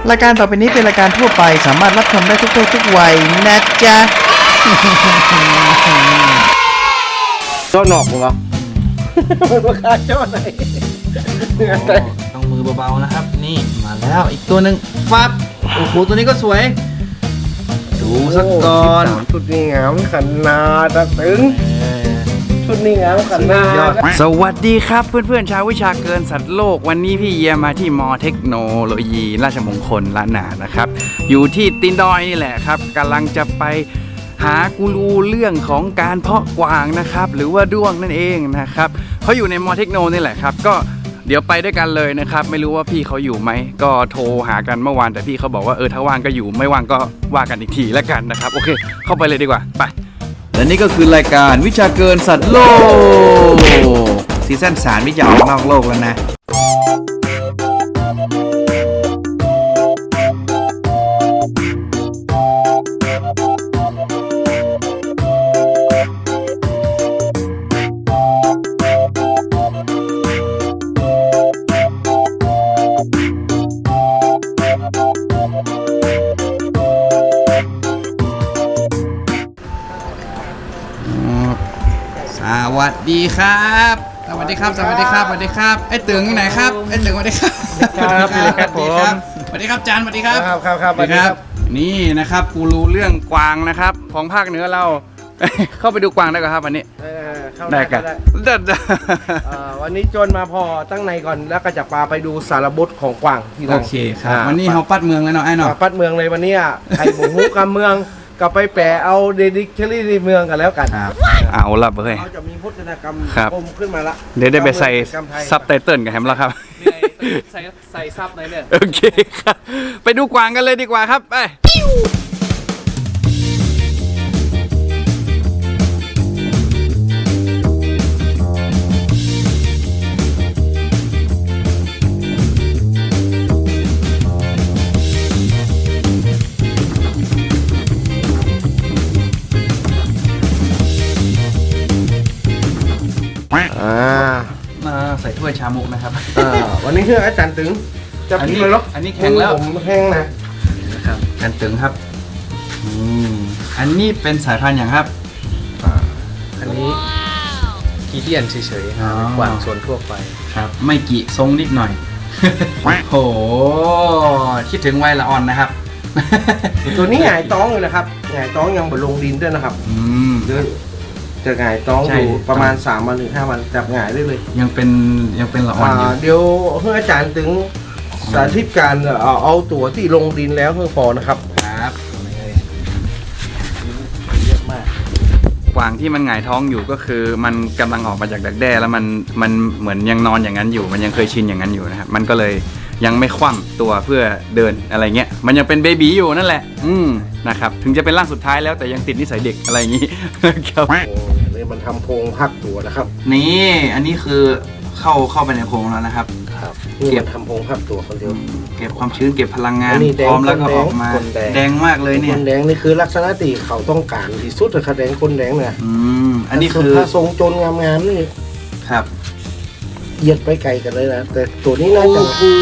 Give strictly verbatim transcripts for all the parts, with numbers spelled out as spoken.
รายการต่อไปนี้เป็นรายการทั่วไปสามารถรับชมได้ทุกเพศทุกวัยนะจ๊ะก็หนอกเหรอมันราคาเท่าไหร่ต้องมือเบาๆนะครับนี่มาแล้วอีกตัวหนึ่งฟับโอ้โหตัวนี้ก็สวยดูสักก่อนชุดนี้งามขนาดตึงชุดนี้งามขนาดสวัสดีครับเพื่อนๆชาววิชาเกินสัตว์โลกวันนี้พี่เยียมาที่มอเทคโนโลยีราชมงคลล้านนานะครับอยู่ที่ตีนดอยนี่แหละครับกำลังจะไปหากูรูเรื่องของการเพาะกวางนะครับหรือว่าด้วงนั่นเองนะครับเขาอยู่ในมอเทคโนนี่แหละครับก็เดี๋ยวไปด้วยกันเลยนะครับไม่รู้ว่าพี่เขาอยู่ไหมก็โทรหากันเมื่อวานแต่พี่เขาบอกว่าเออถ้าว่างก็อยู่ไม่ว่างก็ว่ากันอีกทีแล้วกันนะครับโอเคเข้าไปเลยดีกว่าไปและนี่ก็คือรายการวิชาเกินสัตว์โลกซีซั่นสามวิจารณ์นอกโลกแล้วนะสวัสดีครับสวัสดีครับสวัสดีครับสวัสดีครับไอ้ตึงที่ไหนครับไอ้ตึงสวัสดีครับครับครับผมสวัสดีครับจานสวัสดีครับครับครับครับสวัสดีครับนี่นะครับกูรู้เรื่องกวางนะครับของภาคเหนือเรา เข้าไปดูกวางได้ก่อนครับวันนี้ได้กันวันนี้จนมาพอตั้งในก่อนแล้วก็จะพาไปดูสารบดของกวางที่นั่นโอเคครับวันนี้เขาปัดเมืองแล้วเนาะไอ้เนาะปัดเมืองเลยวันนี้ไอ้บุกฮุกกับเมืองก็ไปแปะเอาเดดิคเชอรี่ในเมืองกันแล้วกันเอาละเฮ้ยเขาจะมีพจนากรรมครับกลมขึ้นมาละเดี๋ยวได้ไปใส่ซับไตเติลกันแฮมแล้วครับใส่ใส่ซับเลยเนี่ยโอเคครับไปดูกวางกันเลยดีกว่าครับไปอ่ามาใส่ถ้วยชามุกนะครับอ่าวันนี้คืออาจารย์ตึงจะพิมพ์เลยหรออันนี้แข็งแล้วผมแห้งนะนะครับกันตึงครับอืมอันนี้เป็นสายพันธุ์อย่างครับอันนี้กีเดียนเฉยๆครับกวางส่วนทั่วไปครับไม่กี่ทรงนิดหน่อย โหคิดถึงวัยละอ่อนนะครับตัวนี้หงายต้องอยู่นะครับหงายต้องยังบนลงดินด้วยนะครับอืมเดินจะหงายต้องใช่อยู่ประมาณสามวันถึงห้าวันจับหงายได้เลยยังเป็นยังเป็นละอ่อนอยู่อ่าเดี๋ยวเพื่ออาจารย์ถึงสาธิตการเอาเอาตัวที่ลงดินแล้วเพื่อพอนะครับครับเยอะมากกวางที่มันหงายท้องอยู่ก็คือมันกำลังออกมาจากดักแด้แล้วมันมันเหมือนยังนอนอย่างนั้นอยู่ มันยังเคยชินอย่างนั้นอยู่นะครับมันก็เลยยังไม่คว่ำตัวเพื่อเดินอะไรเงี้ยมันยังเป็นเบบีอยู่นั่นแหละอืมนะครับถึงจะเป็นร่างสุดท้ายแล้วแต่ยังติดนิสัยเด็กอะไรอย่างนี้ ครับโอ้เลยมันทำโพรงพักตัวนะครับนี่อันนี้คือเข้าเข้าไปในโพรงแล้วนะครับครับนี่มันทำโพรงพักตัวคนเดียวเก็บความชื้นเก็บพลังงานอันนี้แดงพร้อมแล้วก็ออกมาคนแดงแดงมากเลยเนี่ยคนแดงนี่คือลักษณะที่เขาต้องการที่สุดเลยครับแดงคนแดงเนี่ยอืมอันนี้คือถ้าทรงจนงามๆนี่ครับเหยียดไปไกลกันเลยนะแต่ตัวนี้น่าจะ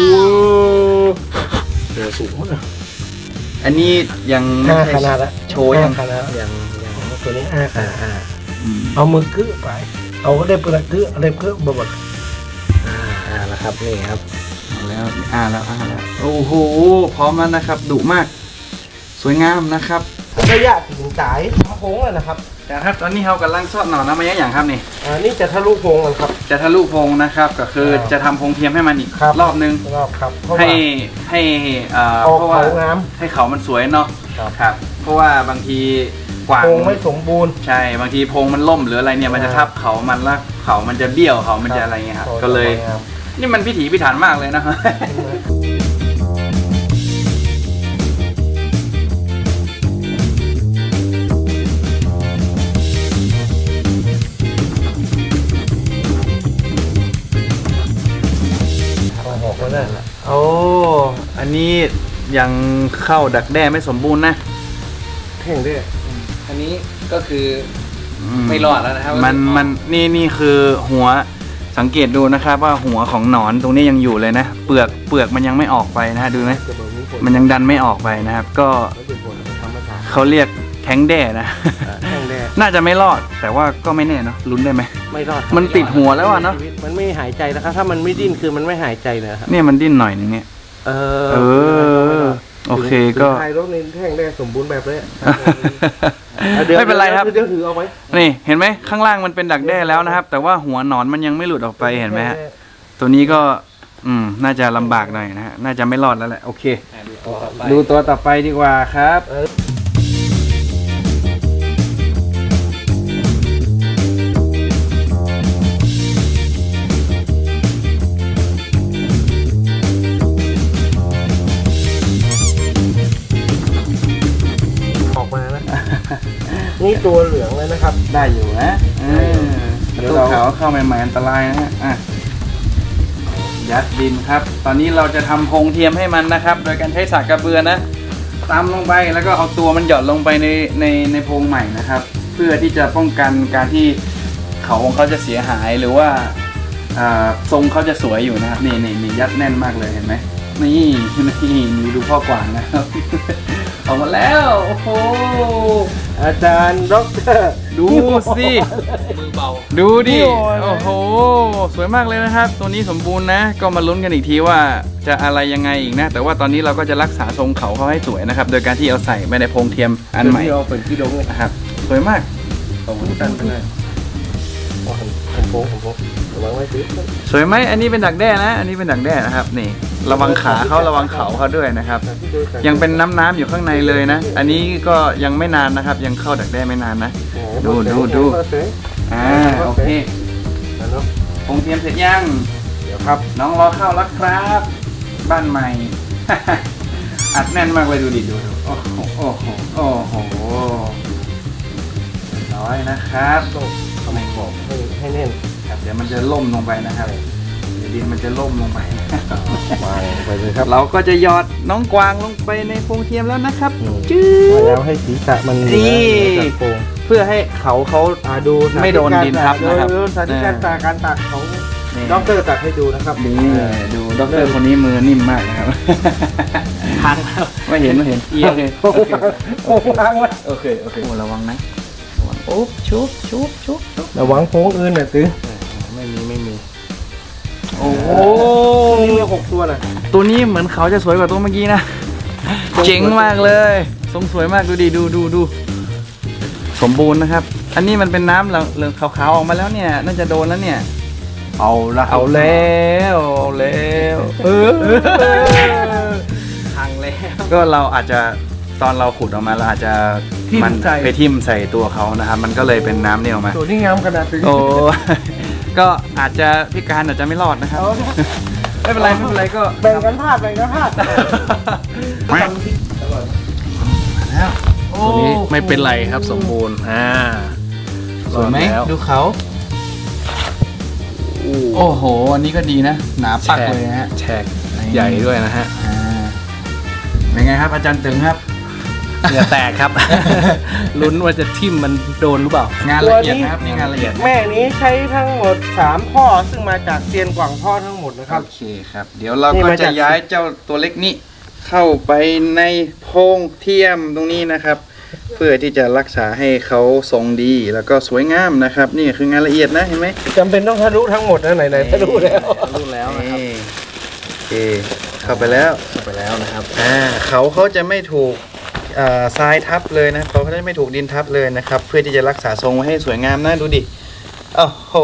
ตัวสูงมากอันนี้ยังไม่ห้าใช่ขนาดละโชว์ยังห้าขนาดอย่างอย่างตัวนี้ห้าขนาดอ่าอืมเอามือกื้อไป เอาก็ได้เปลือกกื้อเอาได้เพื่อบดอ่าอ่านะครับนี่ครับเอาแล้วอ่าแล้วอ่าแล้วโอ้โหพร้อมแล้วนะครับดุมาก สวยงามนะครับระยะถึงสายทำโค้งเลยนะครับนะครับตอนนี้เรากำลังซอดหน่อน้ำมันอย่างครับนี่อ่านี่จะทะลุโค้งกันครับจะทะลุโพรงนะครับก็คือครับจะทำโพรงเทียมให้มันอีกครับรอบนึงรอบครับเพราะให้ว่าให้เอ่อออกเพราะว่าเขางามให้เขามันสวยเนาะครับครับ เพราะว่าบางทีกวางโค้งไม่สมบูรณ์ใช่บางทีโพรงมันล่มหรืออะไรเนี่ยมันจะทับเขามันแล้วเขามันจะเบี้ยวเขามันจะอะไรเงี้ยครับก็เลยครับนี่มันพิถีพิถันมากเลยนะเอาหอกมาได้ละโอ้อันนี้ยังเข้าดักแด้ไม่สมบูรณ์นะแท่งด้วยอันนี้ก็คือไม่รอดแล้วนะครับมันมันนี่นี่คือหัวสังเกตดูนะครับว่าหัวของหนอนตรงนี้ยังอยู่เลยนะ เปลือกเปลือกมันยังไม่ออกไปนะฮะดูไหมมันยังดันไม่ออกไปนะครับ ก็เขาเรียกแท้งแด่นะแห้งแดดน่าจะไม่รอดแต่ว่าก็ไม่แน่เนาะลุ้นได้ไหมไม่รอดมันติดหัวแล้วอะเนาะมันไม่หายใจแล้วครับถ้ามันไม่ดิ้นคือมันไม่หายใจเลยครับเนี่ยมันดิ้นหน่อยนึงเนี่ยเออเออโอเคก็ถ่ายรถในแห้งแดดสมบูรณ์แบบเลยไม่เป็นไรครับเดี๋ยวถือเอาไว้นี่เห็นไหมข้างล่างมันเป็นดักแด้แล้วนะครับ แต่ว่าหัวหนอนมันยังไม่หลุดออกไปเห็นไหมฮะตัวนี้ก็อืมน่าจะลำบากหน่อยนะฮะน่าจะไม่รอดแล้วแหละโอเค ดูตัวต่อไปดีกว่าครับออกมานะ นี่ตัวเหลืองเลยนะครับได้อยู่นะเออเดี๋ยวตัวเราขาวเข้าใหม่ๆอันตรายนะฮะอ่ะยัดดินครับ ตอนนี้เราจะทำโพรงเทียมให้มันนะครับ โดยการใช้สากกระเบือนะตามลงไปแล้วก็เอาตัวมันหย่อนลงไปในในในโพรงใหม่นะครับ เพื่อที่จะป้องกันการที่เขาของเขาจะเสียหายหรือว่าอ่าทรงเขาจะสวยอยู่นะครับนี่นี่นี่ยัดแน่นมากเลยเห็นไหมนี่นี่นี่ดูพ่อกวางนะครับ ออกมาแล้วโอ้โหอาจารย์ด็อกเตอร์ดูสิมือเบาดูดิโอ้ยโอ้โห สวยมากเลยนะครับ ตัวนี้สมบูรณ์นะ ก็มาลุ้นกันอีกทีว่าจะอะไรยังไงอีกนะ แต่ว่าตอนนี้เราก็จะรักษาทรงเขาเขาให้สวยนะครับ โดยการที่เอาใส่ไปในโพรงเทียมอันใหม่ที่เราเป็นที่ดงเลยนะครับ สวยมากตรงตันไปเลยผมโป้ผมโป้ระวังไว้สิสวยไหม อันนี้เป็นดักแด้นะ อันนี้เป็นดักแด้นะครับ นี่ ระวังขาเขาระวังเขาเขาด้วยนะครับ ยังเป็นน้ำน้ำๆอยู่ข้างในเลยนะ อันนี้ก็ยังไม่นานนะครับ ยังเข้าดักแด้ไม่นานนะ ดูดูดู อ่า โอเคแล้วเนาะโพรงเทียมเสร็จยังเดี๋ยวครับน้องรอเข้าแล้วครับ บ้านใหม่ อัดแน่นมากเลยดูดิดูดูโอ้โหโอ้โหโอ้โหร้อยนะครับต้องทำขอบให้ให้แน่นครับเดี๋ยวมันจะล่มลงไปนะครับเดี๋ยวดินมันจะล่มลงไปวางไปเลยครับเราก็จะหยอดน้องกวางลงไปในโพรงเทียมแล้วนะครับอืมจื้มาอแล้วให้ศีรษะมันเหนือนี่เหนือจากโครงเพื่อให้เขาเขาอ่าดูไม่โดนดินทับนะครับดูสาธิตการตากการตักของด็อกเตอร์ตักให้ดูนะครับนี่ดูด็อกเตอร์คนนี้มือนิ่มมากนะครับทันไม่เห็นไม่เห็นโอเคโอเคโอ้วางไว้โอเคโอเคโอ้ระวังนะระวังอุ๊บชุบชุบชุบชุบระวังโค้งอื่นหน่อยตื้อไม่มีไม่มีโอ้โหนี่มีหกตัวน่ะตัวนี้เหมือนเขาจะสวยกว่าตัวเมื่อกี้นะ เจ๋งมากเลยทรงสวยมากดูดิดูดูดูสมบูรณ์นะครับ อันนี้มันเป็นน้ำเหลืองขาวๆออกมาแล้วเนี่ยน่าจะโดนแล้วเนี่ยเอาละเอาแล้วเอาแล้วเออพังแล้วก็เราอาจจะตอนเราขุดออกมาเราอาจจะทิ่มมันใส่ไปทิ่มใส่ตัวเขานะครับ มันก็เลยเป็นน้ำเนี่ยออกมาตัวนี้งามขนาดนี้โอ้ ก็อาจจะพิการอาจจะไม่รอดนะครับเอาละไม่เป็นไรไม่เป็นไรก็แบ่งกันพลาดแบ่งกันพลาดแล้วตัวนี้ไม่เป็นไรครับสมบูรณ์อ่าสวยไหมรอดแล้วดูเขาโอ้โห อันนี้ก็ดีนะ หนาปักเลยนะฮะแฉกใหญ่ด้วยนะฮะอ่าเป็นไงครับอาจารย์ตึงครับเหงื่อแตกครับ ลุ้นว่าจะทิ่มมันโดนหรือเปล่างานละเอียดนะครับนี่งานละเอียดแม่นี้ใช้ทั้งหมดสามพ่อซึ่งมาจากเซียนกว่างพ่อทั้งหมดนะครับโอเคครับ เดี๋ยวเรานี่ก็มาจะจากย้ายเจ้าตัวเล็กนี้เข้าไปในโพรงเทียมตรงนี้นะครับ เพื่อที่จะรักษาให้เขาทรงดีแล้วก็สวยงามนะครับ นี่คืองานละเอียดนะเห็นไหมจำเป็นต้องทะลุทั้งหมดนะไหนๆทะลุแล้วรู้แล้วนะครับนี่โอเคเข้าไปแล้วเข้าไปแล้วนะครับอ่าเขาเขาจะไม่ถูกอ่าทรายทับเลยนะเขาจะไม่ถูกดินทับเลยนะครับ เพื่อที่จะรักษาทรงไว้ให้สวยงามนะดูดิโอ้โห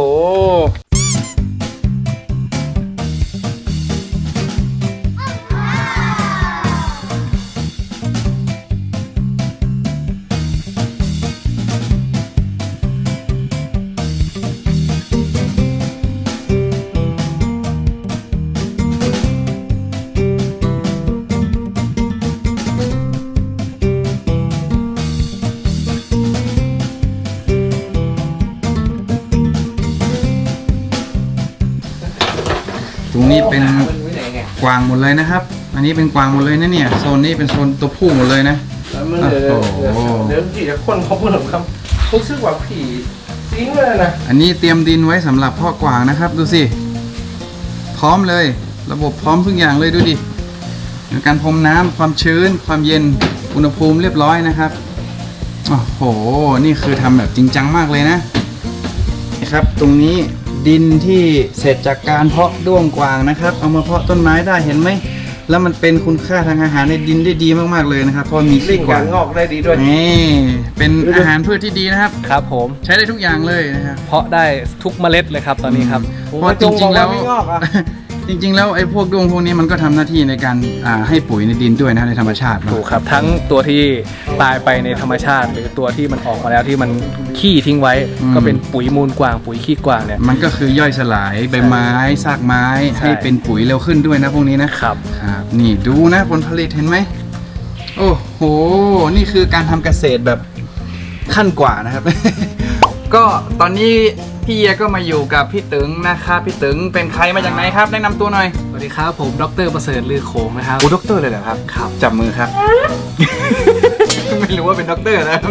ตรงนี้เป็นกวางหมดเลยนะครับ อันนี้เป็นกวางหมดเลยนะเนี่ยโซนนี้เป็นโซนตัวผู้หมดเลยนะแล้วมันเดี๋ยวโอ้โหเดี๋ยวผีจะคนเขาพูดถึงคำรู้สึกว่าผีทิ้งเลยนะอันนี้เตรียมดินไว้สำหรับเพาะกวางนะครับ ดูสิพร้อมเลย ระบบพร้อมทุกอย่างเลยดูดิการพรมน้ำความชื้น ความเย็นอุณหภูมิเรียบร้อยนะครับโอ้โหนี่คือทำแบบจริงจังมากเลยนะนี่ครับตรงนี้ดินที่เสร็จจากการเพาะด้วงกวางนะครับ เอามาเพาะต้นไม้ได้เห็นไหมแล้วมันเป็นคุณค่าทางอาหารในดินได้ดีมากๆเลยนะครับเพราะมีลิ่ขี้งกวางงอกได้ดีด้วยนี่เป็นอาหารพืชที่ดีนะครับครับผมใช้ได้ทุกอย่างเลยนะครับเพาะได้ทุกเมล็ดเลยครับตอนนี้ครับเพราะจริงๆแล้วไม่งอกอ่ะจริงๆแล้วไอ้พวกด้วงพวกนี้มันก็ทำหน้าที่ในการอ่าให้ปุ๋ยในดินด้วยนะในธรรมชาติเนอะถูกครับทั้งตัวที่ตายไปในธรรมชาติ หรือตัวที่มันออกมาแล้วที่มันขี้ทิ้งไว้ ก็เป็นปุ๋ยมูลกวางปุ๋ยขี้กวางเนี่ยมันก็คือย่อยสลายใบไม้ซากไม้ใช่ให้เป็นปุ๋ยเร็วขึ้นด้วยนะพวกนี้นะครับ ครับนี่ดูนะผลผลิตเห็นไหมโอ้โหนี่คือการทำเกษตรแบบขั้นกว่านะครับ ก็ตอนนี้พี่เอียก็มาอยู่กับพี่ตึงนะครับพี่ตึงเป็นใครมาจากไหนครับแนะนำตัวหน่อยสวัสดีครับผมดรประเสริฐลือโขงนะครับโอ้ด็อกเตอร์เลยเหรอครับครับจับมือครับ ไม่รู้ว่าเป็นด็อกเตอร์นะ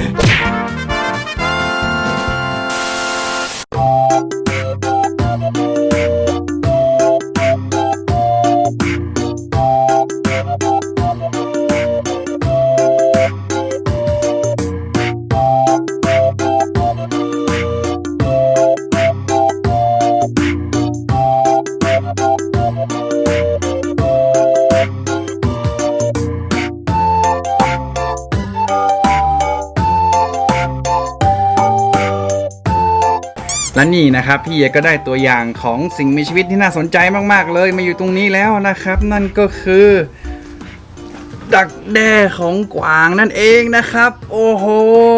และนี่นะครับพี่เอก็ได้ตัวอย่างของสิ่งมีชีวิตที่น่าสนใจมากๆเลยมาอยู่ตรงนี้แล้วนะครับ นั่นก็คือ ดักแด้ของกวางนั่นเองนะครับ โอ้โห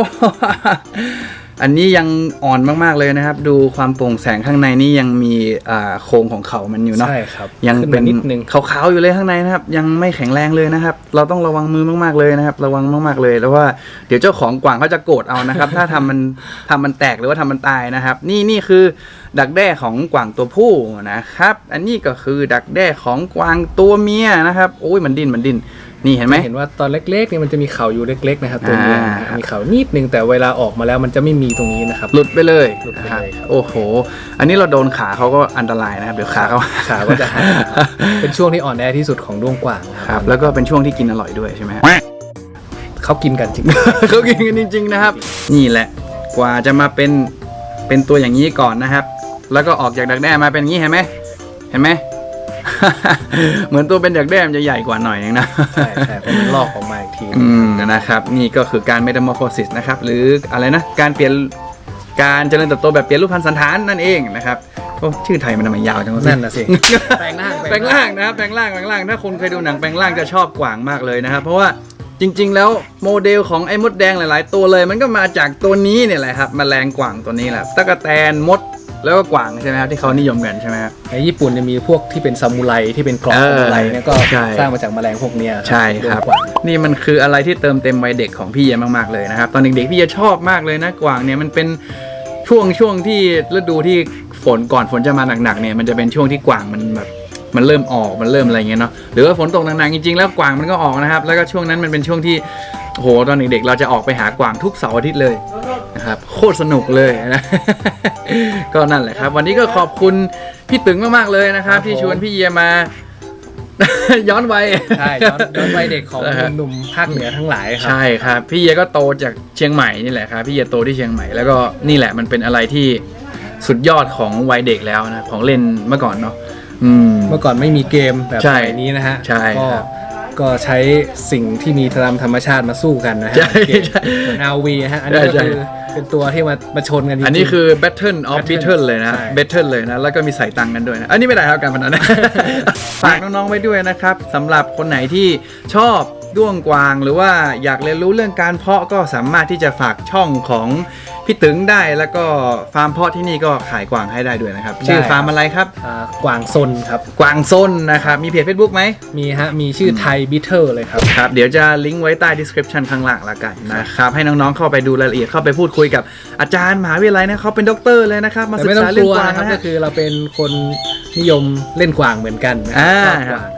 อันนี้ยังอ่อนมากๆเลยนะครับ ดูความโปร่งแสงข้างในนี่ยังมีอ่าโครงของเขามันอยู่เนาะใช่ครับยังเป็นขึ้นมานิดนึงขาวๆอยู่เลยข้างในนะครับ ยังไม่แข็งแรงเลยนะครับ เราต้องระวังมือมากๆเลยนะครับ ระวังมากๆเลยแล้วว่าเดี๋ยวเจ้าของกวางเขาจะโกรธเอานะครับ ถ้าทำมันทำมันแตกหรือว่าทำมันตายนะครับ นี่นี่คือดักแด้ของกวางตัวผู้นะครับ อันนี้ก็คือดักแด้ของกวางตัวเมียนะครับโอ้ยมันดิ้นมันดิ้นนี่เห็นไหมเห็นว่าตอนเล็กๆนี่มันจะมีเขาอยู่เล็กๆนะครับตัวเมียอ่ามีเขานิดนึงแต่เวลาออกมาแล้วมันจะไม่มีตรงนี้นะครับหลุดไปเลยหลุดไปนะครับเลยครับโอ้โห อันนี้เราโดนขาเขาก็อันตรายนะครับเดี๋ยวขาเขาขาก็จะหายเป็นช่วงที่อ่อนแอที่สุดของด้วงกวางนะคครัรับบ แล้วก็เป็นช่วงที่กินอร่อยด้วยใช่ไหมฮะเขากินกันจริงเขากินกันจริงๆนะครับ นี่แหละกว่าจะมาเป็นเป็นตัวอย่างนี้ก่อนนะครับ แล้วก็ออกจากดักแด้มาเป็นอย่างนี้เห็นไหมเห็นไหม เหมือนตัวเป็นดักแด้มันจะใหญ่กว่าหน่อยนึงนะใช่ใช่เพราะมันลอกออกมาอีกทีอืมนะครับนี่ก็คือการ metamorphosis นะครับหรืออะไรนะการเปลี่ยนการเจริญเติบโตแบบเปลี่ยนรูปพรรณสันฐานนั่นเองนะครับโอ้ชื่อไทยมันทำไมยาวจังวะนั่นน่ะสิแปลงร่างแปลงร่างนะครับแปลงร่างแปลงร่างถ้าคนเคยดูหนังแปลงร่างจะชอบกวางมากเลยนะครับเพราะว่าจริงๆแล้วโมเดลของไอ้มดแดงหลายๆตัวเลย มันก็มาจากตัวนี้เนี่ยแหละครับแมลงกวางตัวนี้แหละตะกแตนมดแล้วก็กวางใช่ไหมครับที่เขานิยมกันใช่ไหมครับในญี่ปุ่นจะมีพวกที่เป็นซามูไรที่เป็นกรอบเออซามูไรเนี่ยก็ใช่สร้างมาจากแมลงพวกเนี้ยใช่ครับด้วงกวางนี่มันคืออะไรที่เติมเต็มวัยเด็กของพี่เยมากๆเลยนะครับตอนเด็กๆพี่เยชอบมากเลยนะกวางเนี่ยมันเป็นช่วงช่วงที่ฤดูที่ฝนก่อนฝนจะมาหนักๆเนี่ยมันจะเป็นช่วงที่กวางมันแบบมันเริ่มออกมันเริ่มอะไรเงี้ยเนาะหรือว่าฝนตกหนักๆจริงๆแล้วกวางมันก็ออกนะครับแล้วก็ช่วงนั้นมันเป็นช่วงที่โอ้โหตอนเด็กๆเราจะออกไปหากวางทุกเสาร์อาทิตย์เลยนะครับโคตรสนุกเลยนะ ก็นั่นแหละครับ วันนี้ก็ขอบคุณพี่ตึงมากๆเลยนะครับที่ชวนพี่เยมา ย้อนวัยใช่ย้อนย้อนวัยเด็กของนะฮะหนุ่มๆภาคเหนือทั้งหลายครัใช่ครับพี่เยก็โตจากเชียงใหม่นี่แหละครับพี่เยโตที่เชียงใหม่แล้วก็นี่แหละมันเป็นอะไรที่สุดยอดของวัยเด็กแล้วนะของเล่นเมื่อก่อนเนาะอืมเมื่อก่อนไม่มีเกมแบบใช่สมัยนี้นะฮะใช่ก็ครับก็ใช้สิ่งที่มีตามธรรมชาติมาสู้กันนะฮะใช่เกมใช่เหมือน อาร์ วี นะฮะอันนี้ก็ใช่คือเป็นตัวที่มามาชนกันจริงๆอันนี้คือ Battle of Battle Battle เลยนะใช่ Battle เลยนะแล้วก็มีใส่ตังค์กันด้วยนะอันนี้ไม่ได้ครับการพนัน นะ ฝากน้องๆไว้ด้วยนะครับสำหรับคนไหนที่ชอบด้วงกวางหรือว่าอยากเรียนรู้เรื่องการเพาะก็สามารถที่จะฝากช่องของพี่ตึงได้แล้วก็ฟาร์มเพาะที่นี่ก็ขายกวางให้ได้ด้วยนะครับชื่อฟาร์มอะไรครับอ่ากวางซนครับกวางซนนะครับมีเพจ Facebook ไหมมีฮะมีชื่อไทยบิทเทอร์เลยครับครับเดี๋ยวจะลิงก์ไว้ใต้ description ข้างล่างละกันนะครับให้น้องๆเข้าไปดูรายละเอียดเข้าไปพูดคุยกับอาจารย์มหาวิทยาลัยนะเขาเป็นด็อกเตอร์เลยนะครับมาแต่ศึไม่กต้องษาก เรื่อลังวกวางนะครับนะก็ฮะคือเราเป็นคนนิยมเล่นกวางเหมือนกันนะอ่าชอบกวาง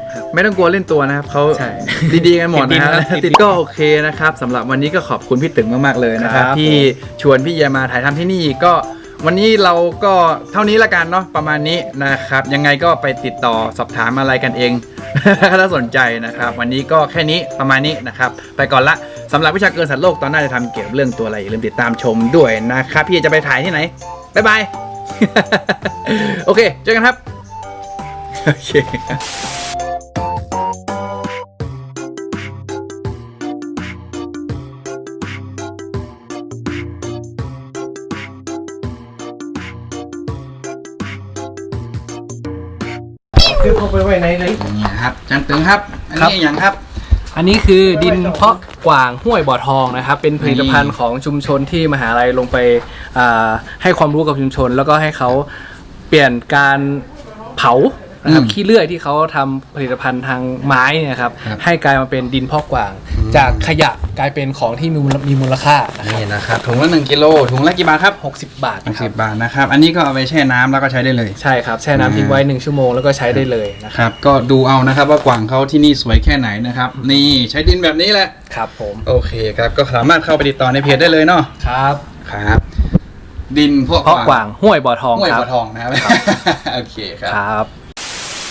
ไม่ต้องกลัวเล่นตัวนะครับเขาใช่ดีๆกันหมดนะครับติดดินครับติดก็โอเคนะครับสำหรับวันนี้ก็ขอบคุณพี่ตึงมากๆเลยนะครับครับที่ชวนพี่เยมาถ่ายทำที่นี่ก็วันนี้เราก็เท่านี้ละกันเนาะประมาณนี้นะครับยังไงก็ไปติดต่อสอบถามอะไรกันเอง ถ้าสนใจนะครับวันนี้ก็แค่นี้ประมาณนี้นะครับไปก่อนละสำหรับวิชาเกินสัตว์โลกตอนหน้าจะทำเกี่ยวกับเรื่องตัวอะไรอย่าลืมติดตามชมด้วยนะครับพี่จะไปถ่ายที่ไหนบ๊ายบาย โอเคเจอกันครับโอเคคือเขาไปไว้ในเลยนี่ครับจันตึงครับอันครับนี้อย่างครับอันนี้คือดินเพาะกวางห้วยบ่อทองนะครับ เป็นผลิตภัณฑ์ของชุมชนที่มหาลัยลงไปอ่าให้ความรู้กับชุมชน แล้วก็ให้เขาเปลี่ยนการเผานะครับอืมขี้เลื่อยที่เขาทำผลิตภัณฑ์ทางไม้เนี่ยครับครับให้กลายมาเป็นดินเพาะกวาง จากขยะกลายเป็นของที่มีมูลมีมูลค่านะครับนี่นะครับถุงละหนึ่งกิโลถุงละกี่บาทครับหกสิบบาทหกนะคสิรับบบาทนะครับอันนี้ก็เอาไปแช่น้ำแล้วก็ใช้ได้เลยใช่ครับแช่น้ำทิ้งไว้หนึ่งชั่วโมงแล้วก็ใช้ได้เลยนะคครับรับก็ดูเอานะครับว่ากวางเขาที่นี่สวยแค่ไหนนะครับนี่ใช้ดินแบบนี้แหละครับผมโอเคครับก็สามารถเข้าไปติดต่อในเพจได้เลยเนาะครับครับ ดินพวกเพาะกวางห้วยบ่อทองห้วยครับบัวทองนะครับ โอเคครับครับ